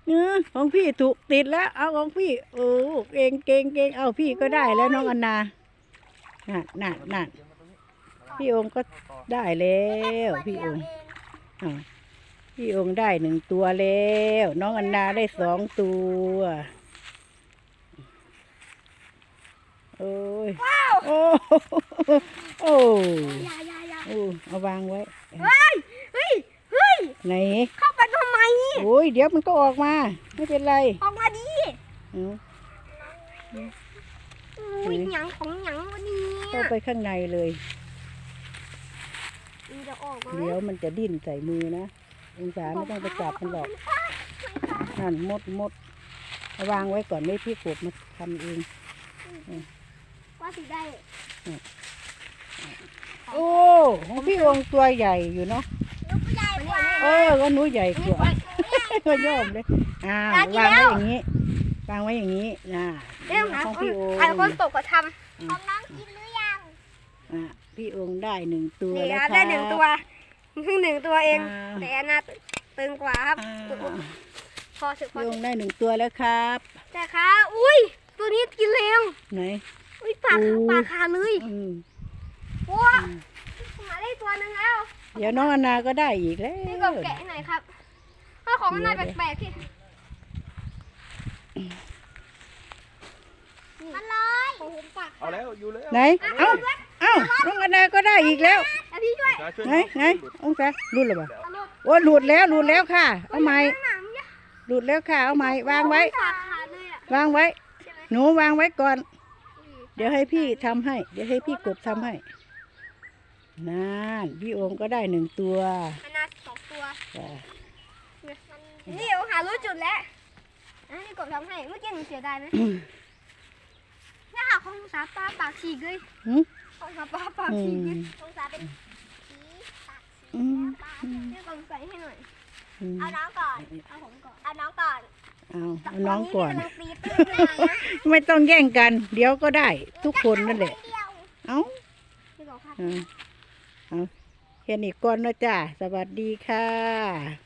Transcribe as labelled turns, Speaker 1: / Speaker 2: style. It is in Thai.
Speaker 1: ของพี่ถูกติดแล้วเอาของพี่โอ้เก่งเก่งเก่งเอาพี่ก็ได้แล้วน้องอันนานั่นพี่องค์ก็ได้แล้วพี่องค์พี่องค์ได้1 ตัวแล้วน้องอันนาได้2 ตัวโอ้ยโอ้โอ้โอ้เอาวางไว้
Speaker 2: เฮ้ย
Speaker 1: ไหน
Speaker 2: เข้าไปทำไม
Speaker 1: โอ้ยเดี๋ยวมันก็ออกมาไม่เป็นไร
Speaker 2: ออกมาดิหยังของหยังวันนี้
Speaker 1: เข้าไปข้างในเลยเดี๋ยวมันจะดิ้นใส่มือนะองศาไม่ต้องไปจับมันหรอกนั่นมดวางไว้ก่อนไม่พี่กบมาทำเอง
Speaker 2: ว่าสิได้
Speaker 1: โอ้ของพี่องค์ตัวใหญ่อยู่เนาะก็หนูใหญ่กว่าก็ย่อมเลยวางไว้อย่างนี้วางไว้อย่างนี้ของพี่องค์
Speaker 2: คนตกก็ทำของน้องกินหรือยัง
Speaker 1: พี่องค์ได้1 ตัว
Speaker 2: แล้ว
Speaker 1: ครับ
Speaker 2: ได้1 ตัวเพิ่ง1 ตัวเองแต่อันน่าตึงกว่าครับพอสึก
Speaker 1: พี่องค์ได้1 ตัวแล้วครับ
Speaker 2: แต่ค่ะอุ้ยตัวนี้กินแรง
Speaker 1: ไหน
Speaker 2: อุ้ยปากขาเลยว้ามาได้ตัวนึงแล้ว
Speaker 1: เดี๋ยวน้องอนาก็ได้อีกแล้ว
Speaker 2: นี่กบแกะหน่อยครับถ้าของมันน่าแปลกๆที่มันลอย
Speaker 3: เอาแล้วอยู่แล้ว
Speaker 1: ไหนเอ้าน้องอนาก็ได้อีกแล้ว
Speaker 2: พี่ช่วย
Speaker 1: ไหนองศาหลุดหรือเปล่าโอ้หลุดแล้วค่ะเอาไม้หลุดแล้วค่ะเอาไม้วางไว้หนูวางไว้ก่อนเดี๋ยวให้พี่ทำให้เดี๋ยวให้พี่กบทำให้นั่นพี่องค์ก็ได้1 ตัว
Speaker 2: อันน่า2 ตัวนี่เอาหารู้จุดแล้วนี่กบทำให้เมื่อกี้หนูเสียดายไหมนี่ค่ะของสาปลาปากฉีกเลยของสาปลาปากฉีกของสาเป็นฉีปากฉีนี่กบใส่ให้หน่อยเอาน้องก่อนเอาผมก่อนเอาน้องก่อน
Speaker 1: เอาน้องก่อนไม่ต้องแย่งกันเดี๋ยวก็ได้ทุกคนนั่นแหละเอาเห็นอีกก่อนนะจ้าสวัสดีค่ะ